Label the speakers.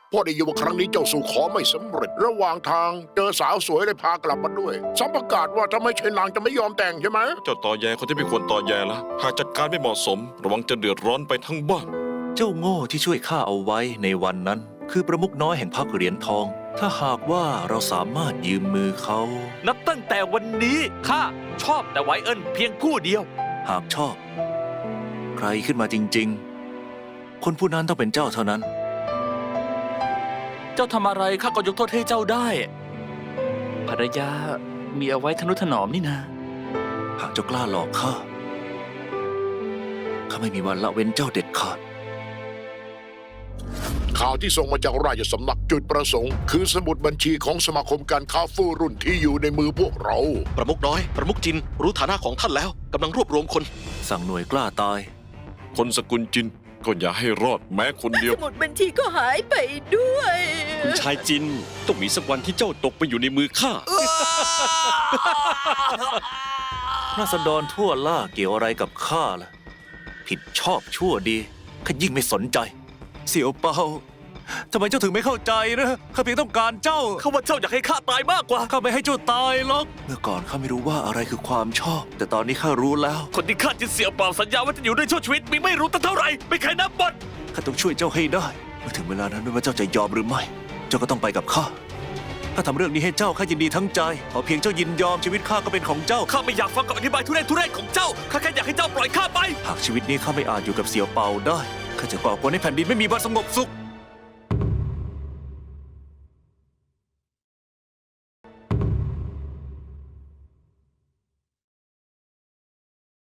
Speaker 1: พ่อได้ยินว่าครั้งนี้เจ้าสู่ขอไม่สำเร็จระหว่างทางเจอสาวสวยเลยพากลับมาด้วยซ้ำประกาศว่าถ้าไม่ใช่นางจะไม่ยอมแต่งใช่ไหม
Speaker 2: เจ้าตอแยคนที่ไม่ควรตอแยละหากจัดการไม่เหมาะสม ระวังจะเดือดร้อนไปทั้งบ้าน
Speaker 3: เจ้าโง่ที่ช่วยข้าเอาไว้ในวันนั้น คือประมุขน้อยแห่งพรรคเหรียญทอง ถ้าหากว่าเราสามารถยืมมือเขา
Speaker 4: นับตั้งแต่วันนี้ข้าชอบแต่ไวเอิญเพียงผู้เดียว
Speaker 3: หากชอบ ใครขึ้นมาจริงๆ คนผู้นั้นต้องเป็นเจ้าเท่านั้น
Speaker 4: เจ้าทำอะไรข้าก็ยกโทษให้เจ้าได้ ภรรยามีเอาไว้ทนุถนอมนี่นะ
Speaker 3: หากเจ้ากล้าหลอกข้าไม่มีวันละเว้นเจ้าเด็ดขาด
Speaker 1: ข่าวที่ส่งมาจากราชสำนักจุดประสงค์คือสมุดบัญชีของสมาคมการค้าฟู่รุ่นที่อยู่ในมือพวกเรา
Speaker 5: ประมุขน้อย ประมุขจิน รู้ฐานะของท่านแล้วกำลังรวบรวมคน
Speaker 3: สั่งหน่วยกล้าตาย
Speaker 2: คนสกุลจินก็อย่าให้รอดแม้คนเดียว
Speaker 6: สมุดบัญชีก็หายไปด้วย
Speaker 7: คุณชายจินต้องมีสักวันที่เจ้าตกไปอยู่ในมือข้า
Speaker 3: ราษฎรทั่วล่าเกี่ยวอะไรกับข้าล่ะ ผิดชอบชั่วดีข้ายิ่งไม่สนใจ เสี่ยวเปาทำไมเจ้าถึงไม่เข้าใจนะข้าเพียงต้องการเจ้า
Speaker 4: เขาว่าเจ้าอยากให้ข้าตายมากกว่า
Speaker 3: ข้าไม่ให้เจ้าตายหรอก เมื่อก่อนข้าไม่รู้ว่าอะไรคือความชอบ แต่ตอนนี้ข้ารู้แล้ว
Speaker 4: คนที่ข้าจินเสี่ยวเป่าสัญญาว่าจะอยู่ด้วยชั่วชีวิตมีไม่รู้ตั้งเท่าไหร่ไม่เคยนับหมด
Speaker 3: ข้าต้องช่วยเจ้าให้ได้เมื่อถึงเวลานั้นไม่ว่าเจ้าจะยอมหรือไม่ เจ้าก็ต้องไปกับข้าถ้าทำเรื่องนี้ให้เจ้าข้ายินดีทั้งใจขอเพียงเจ้ายินยอมชีวิตข้าก็เป็นของเจ้า
Speaker 4: ข้าไม่อยากฟังคำอธิบายทุเรศของเจ้าข้าแค่อยากให้เจ้าปล่อยข้าไป
Speaker 3: หากชีวิตนี้ข้าไม่อาจอยู่กับเสี่ยวเปาได้ข้าจะก่อกวนให้แผ่นดินไม่มีวันสงบสุข